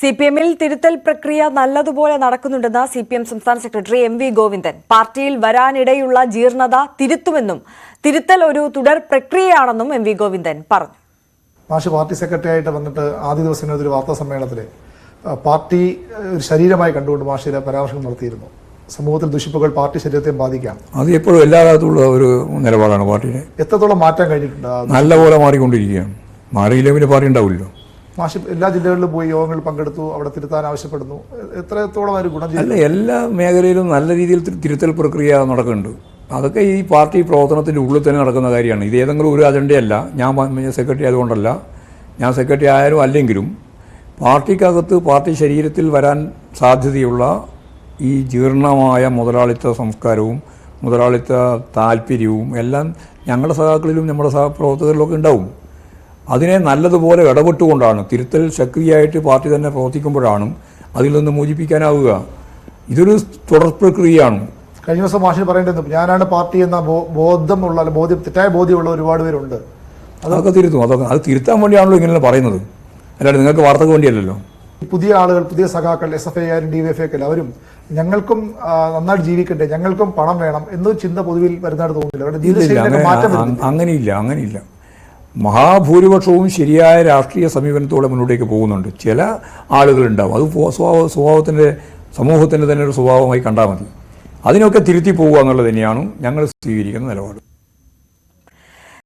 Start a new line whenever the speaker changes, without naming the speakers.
സിപിഎമ്മിൽ തിരുത്തൽ പ്രക്രിയ നല്ലതുപോലെ നടക്കുന്നുണ്ടെന്ന് സിപിഎം സംസ്ഥാന സെക്രട്ടറി എം.വി. ഗോവിന്ദൻ. പാർട്ടിയിൽ വരാനിടയുള്ള ജീർണത തിരുത്തുമെന്നും തിരുത്തൽ ഒരു തുടർ പ്രക്രിയയാണെന്നും എം.വി. ഗോവിന്ദൻ പറഞ്ഞു.
പാർട്ടി സെക്രട്ടറി ആയിട്ട് വന്നിട്ട് ആദ്യ ദിവസം ഒരു വാർത്താ സമ്മേളനത്തിൽ പാർട്ടി ഒരു ശരീരമായി കണ്ടുകൊണ്ട് മാഷിയുടെ പരാമർശം നടത്തിയിരുന്നു. സമൂഹത്തിൽ ദുഷിപ്പുകൾ പാർട്ടി ശരീരത്തെ ബാധിക്കാം.
അത് എപ്പോഴും എല്ലാ കാലത്തുള്ള ഒരു നിലപാടാണ് പാർട്ടിയുടെ.
എത്രത്തോളം മാറ്റാൻ കഴിഞ്ഞിട്ടുണ്ട്?
നല്ലപോലെ മാറിക്കൊണ്ടിരിക്കുകയാണ്. മാറിയില്ലെങ്കിൽ പാർട്ടി ഉണ്ടാവില്ലോ.
മാഷി എല്ലാ ജില്ലകളിലും പോയി യോഗങ്ങളിൽ പങ്കെടുത്തു, അവിടെ തിരുത്താൻ ആവശ്യപ്പെടുന്നു. എത്രത്തോളം ഒരു ഗുണം ചെയ്തു?
അല്ല, എല്ലാ മേഖലയിലും നല്ല രീതിയിൽ തിരുത്തൽ പ്രക്രിയ നടക്കുന്നുണ്ട്. അതൊക്കെ ഈ പാർട്ടി പ്രവർത്തനത്തിൻ്റെ ഉള്ളിൽ തന്നെ നടക്കുന്ന കാര്യമാണ്. ഇത് ഏതെങ്കിലും ഒരു അജണ്ടയല്ല. ഞാൻ സെക്രട്ടറി ആയതുകൊണ്ടല്ല, ഞാൻ സെക്രട്ടറി ആയാലും അല്ലെങ്കിലും പാർട്ടിക്കകത്ത് പാർട്ടി ശരീരത്തിൽ വരാൻ സാധ്യതയുള്ള ഈ ജീർണമായ മുതലാളിത്ത സംസ്കാരവും മുതലാളിത്ത താല്പര്യവും എല്ലാം ഞങ്ങളുടെ സഹാക്കളിലും നമ്മുടെ സഹപ്രവർത്തകരിലൊക്കെ ഉണ്ടാവും. അതിനെ നല്ലതുപോലെ ഇടപെട്ടുകൊണ്ടാണ് തിരുത്തൽ സക്രിയമായിട്ട് പാർട്ടി തന്നെ പ്രവർത്തിക്കുമ്പോഴാണ് അതിൽ നിന്ന് മോചിപ്പിക്കാനാവുക. ഇതൊരു തുടർ പ്രക്രിയയാണ്.
കഴിഞ്ഞ ദിവസം മാഷിന് പറയേണ്ടത് ഞാനാണ് പാർട്ടി എന്ന തെറ്റായ ബോധ്യമുള്ള ഒരുപാട് പേരുണ്ട്.
അതൊക്കെ തിരുത്തും. അത് തിരുത്താൻ വേണ്ടിയാണല്ലോ ഇങ്ങനെ പറയുന്നത്, അല്ലാണ്ട് നിങ്ങൾക്ക് വാർത്തക്ക് വേണ്ടിയല്ലല്ലോ.
പുതിയ ആളുകൾ, പുതിയ സഖാക്കൾ, SFI ആയാലും DYFI ഒക്കെ അവരും ഞങ്ങൾക്കും നന്നായിട്ട് ജീവിക്കട്ടെ, ഞങ്ങൾക്കും പണം വേണം എന്നൊരു ചിന്ത പൊതുവിൽ വരുന്നതായിട്ട് തോന്നുന്നില്ല.
അങ്ങനെയില്ല. മഹാഭൂരിപക്ഷവും ശരിയായ രാഷ്ട്രീയ സമീപനത്തോടെ മുന്നോട്ടേക്ക് പോകുന്നുണ്ട്. ചില ആളുകളുണ്ടാവും, അത് സമൂഹത്തിൻ്റെ തന്നെ ഒരു സ്വഭാവമായി കണ്ടാൽ മതി. അതിനൊക്കെ തിരുത്തി പോകുക എന്നുള്ളത് തന്നെയാണ് ഞങ്ങൾ സ്വീകരിക്കുന്ന നിലപാട്.